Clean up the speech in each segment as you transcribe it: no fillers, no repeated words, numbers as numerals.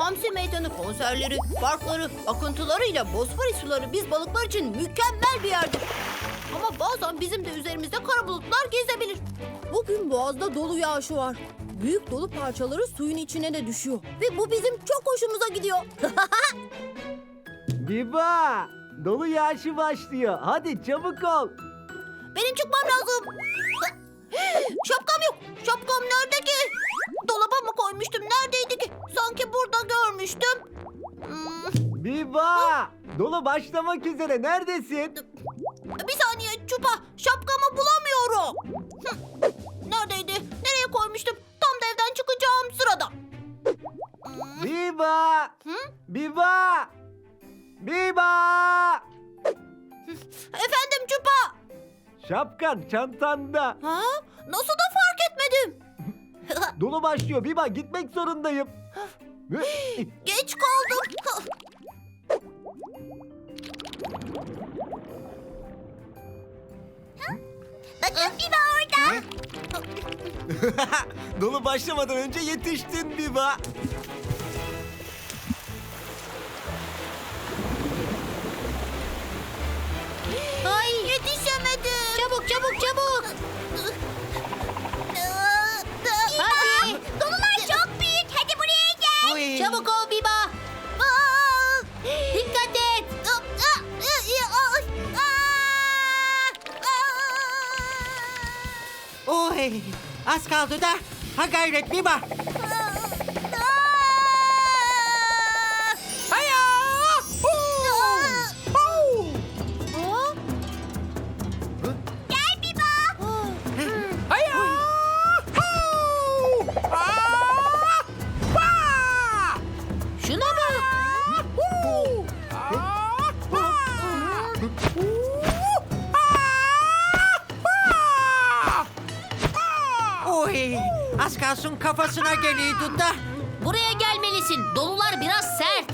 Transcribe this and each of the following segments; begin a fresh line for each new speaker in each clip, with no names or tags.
hamsi meydanı konserleri, parkları, akıntılarıyla Bosphorus suları biz balıklar için mükemmel bir yerdir. Ama bazen bizim de üzerimizde kara bulutlar gezebilir. Bugün boğazda dolu yağışı var. Büyük dolu parçaları suyun içine de düşüyor. Ve bu bizim çok hoşumuza gidiyor.
Biba! Dolu yağışı başlıyor. Hadi çabuk ol.
Benim çıkmam lazım. Şapkam yok. Şapkam nerede ki? Dolaba mı koymuştum? Neredeydi ki? Sanki burada görmüştüm.
Biba! Dolu başlamak üzere. Neredesin?
Bir saniye Çupa. Şapkamı bulamıyorum. Neredeydi? Nereye koymuştum? Tam da evden çıkacağım sırada.
Biba! Biba! Biba!
Efendim Çupa.
Şapkan çantanda.
Ha? Nasıl da fark etmedim?
Dolu başlıyor. Biba gitmek zorundayım.
Geç kaldım. Bakın Biba orada.
Dolu başlamadan önce yetiştin Biba.
Ay yetişemedim. Çabuk çabuk çabuk. Hadi. Dolular çok büyük. Hadi buraya gel. Çabuk ol Biba. Dikkat et.
Oy, az kaldı da. Ha gayret Biba. Haya!
Gel Biba.
Haya!
Şuna bak.
Oy, az kalsın kafasına geliyordu da.
Buraya gelmelisin. Dolular biraz sert.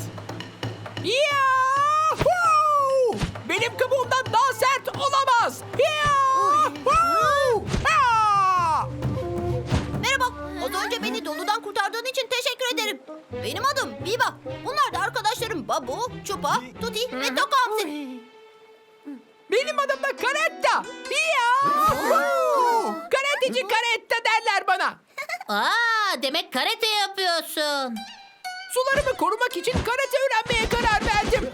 Yahoo! Benim kabuğumdan daha sert olamaz. Yahoo! Ha!
Merhaba. Az önce beni doludan kurtardığın için teşekkür ederim. Benim adım Biba. Bunlar da arkadaşlarım Babu, Çupa, Tuti ve Tokamsi.
Benim adım da Karetta. Yahoo! Karateci Karetta derler bana.
Aa, demek karate yapıyorsun.
Sularımı korumak için karate öğrenmeye karar verdim.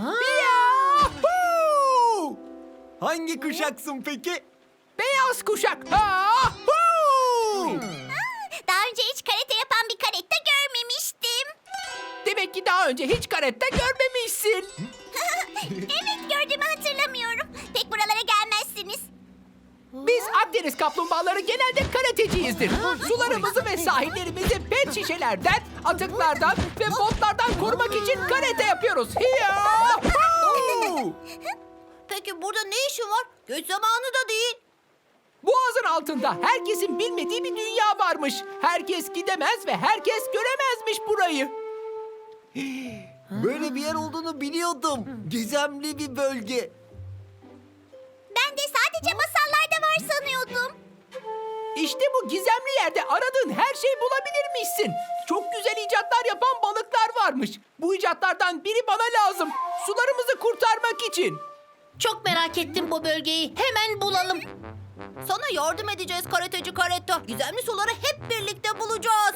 Yahoo!
Hangi kuşaksın peki?
Beyaz kuşak. Yahoo!
Daha önce hiç karate yapan bir karate görmemiştim.
Demek ki daha önce hiç karetta görmemişsin.
Evet, gördüğümü hatırlamıyorum. Pek buralara gelmezsiniz.
Biz Akdeniz kaplumbağaları genelde karateciyizdir. Sularımızı ve sahillerimizi pet şişelerden, atıklardan ve botlardan korumak için karate yapıyoruz. Yahoo!
Peki burada ne işin var? Göç zamanı da değil.
Boğazın altında herkesin bilmediği bir dünya varmış. Herkes gidemez ve herkes göremezmiş burayı.
Böyle bir yer olduğunu biliyordum. Gizemli bir bölge.
Ben de sadece masallarda var sanıyordum.
İşte bu gizemli yerde aradığın her şeyi bulabilirmişsin. Çok güzel icatlar yapan balıklar varmış. Bu icatlardan biri bana lazım. Sularımızı kurtarmak için.
Çok merak ettim bu bölgeyi. Hemen bulalım. Sana yardım edeceğiz karateci Karetta. Gizemli suları hep birlikte bulacağız.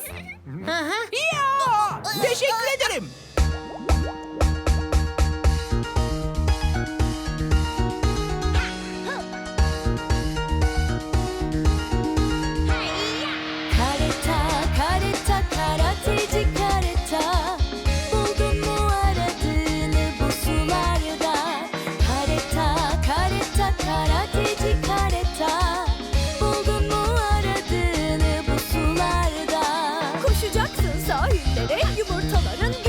Ya! Teşekkür ederim.
Kareta, kareta, karateci kareta. Buldun mu aradığını bu sularda? Kareta, kareta, karateci kareta. Buldun mu aradığını bu sularda? Koşacaksın sahillere, yumurtaların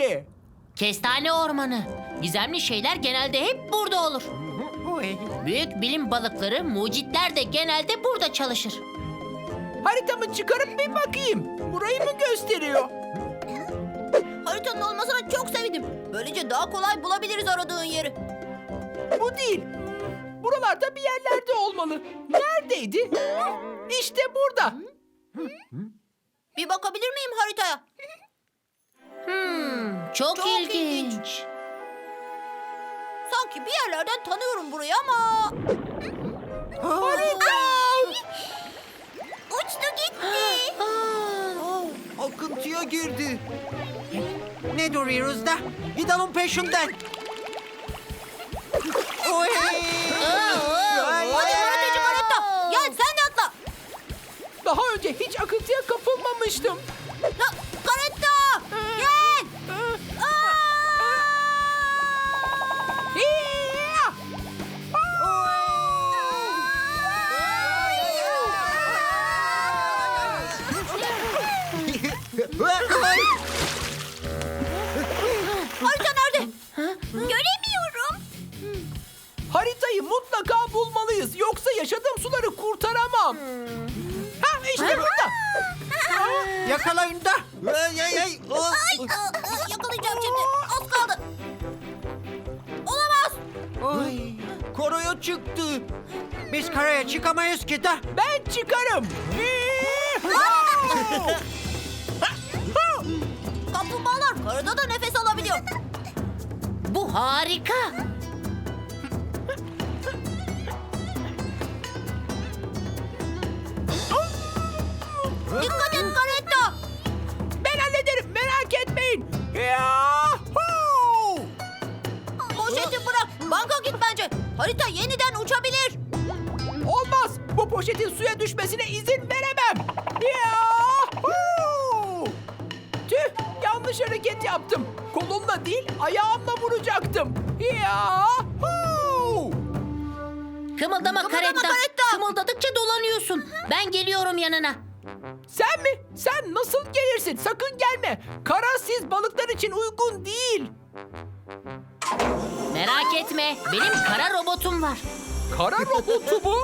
neresi?
Kestane ormanı. Gizemli şeyler genelde hep burada olur. Büyük bilim balıkları, mucitler de genelde burada çalışır.
Haritamı çıkarıp bir bakayım. Burayı mı gösteriyor?
Haritanın olmasına çok sevindim. Böylece daha kolay bulabiliriz aradığın yeri.
Bu değil. Buralarda bir yerlerde olmalı. Neredeydi? İşte burada.
Bir bakabilir miyim haritaya?
Çok,
Çok
ilginç.
Sanki bir yerlerden tanıyorum burayı ama...
Harika!
Uçtu gitti.
Akıntıya girdi. Ne duruyoruz da? Gidalım onun peşinden. Oy!
Hadi karateci karetta. Gel sen de atla.
Daha önce hiç akıntıya kapılmamıştım.
Karetta. Gel.
Hiya!
Harita nerede? Göremiyorum.
Haritayı mutlaka bulmalıyız. Yoksa yaşadığım suları kurtaramam. Ha işte burada.
Yakalayın da. Ay, ay, ay.
Yakalayacağım şimdi. Az kaldı. Olamaz.
Ay, koroya çıktı. Biz karaya çıkamayız ki da.
Ben çıkarım.
Kaplumbağalar karada da nefes alabiliyor.
Bu harika.
Dikkat et karetta.
Ben hallederim, merak etmeyin. Yahoo!
Poşeti bırak. Banka git bence. Harita yeniden uçabilir.
Olmaz. Bu poşetin suya düşmesine izin veremem. Yahoo! Tüh, yanlış hareket yaptım. Kolumla değil, ayağımla vuracaktım. Yahoo!
Kımıldama karetta.
karetta.
Kımıldadıkça dolanıyorsun. Ben geliyorum yanına.
Sen mi? Sen nasıl gelirsin? Sakın gelme. Kara siz balıklar için uygun değil.
Merak etme. Benim kara robotum var.
Kara robotu mu?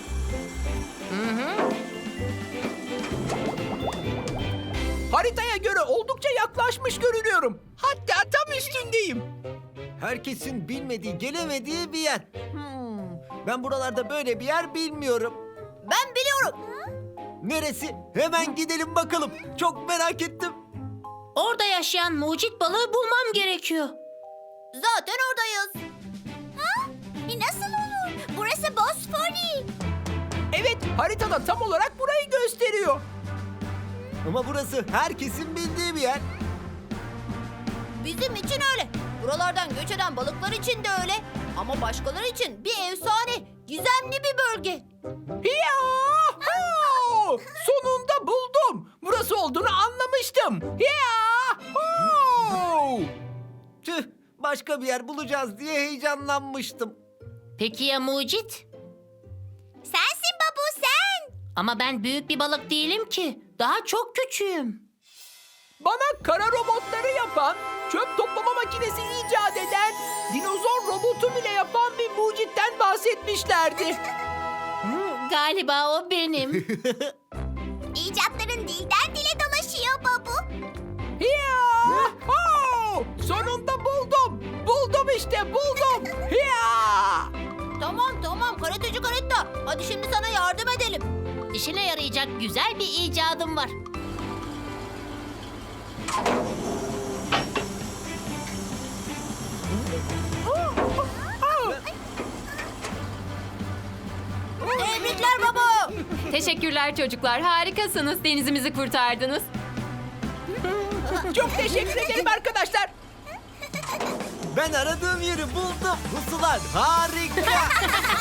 Haritaya göre oldukça yaklaşmış görünüyorum. Hatta tam üstündeyim.
Herkesin bilmediği, gelemediği bir yer. Ben buralarda böyle bir yer bilmiyorum.
Ben biliyorum.
Neresi? Hemen gidelim bakalım. Çok merak ettim.
Orada yaşayan mucit balığı bulmam gerekiyor.
Zaten oradayız. Nasıl olur? Burası Bosfori.
Evet, haritada tam olarak burayı gösteriyor.
Ama burası herkesin bildiği bir yer.
Bizim için öyle. Buralardan göç eden balıklar için de öyle. Ama başkaları için bir efsane, gizemli bir bölge.
Yahoo! Sonunda buldum. Burası olduğunu anlamıştım. Yahoo!
Tüh, başka bir yer bulacağız diye heyecanlanmıştım.
Peki ya mucit?
Sensin babu sen.
Ama ben büyük bir balık değilim ki. Daha çok küçüğüm.
Bana kara robotları yapan, çöp toplama makinesi icat eden, dinozor robotu bile yapan bir mucitten bahsetmişlerdi.
Galiba o benim.
İcatların dilden dile dolaşıyor babu.
Yahoo! Sonunda buldum. Buldum işte, buldum.
Tamam karateci karetta. Hadi şimdi sana yardım edelim.
İşine yarayacak güzel bir icadım var.
Tebrikler baba.
Teşekkürler çocuklar. Harikasınız. Denizimizi kurtardınız.
Çok teşekkür ederim arkadaşlar.
Ben aradığım yeri buldum. Bu sular harika.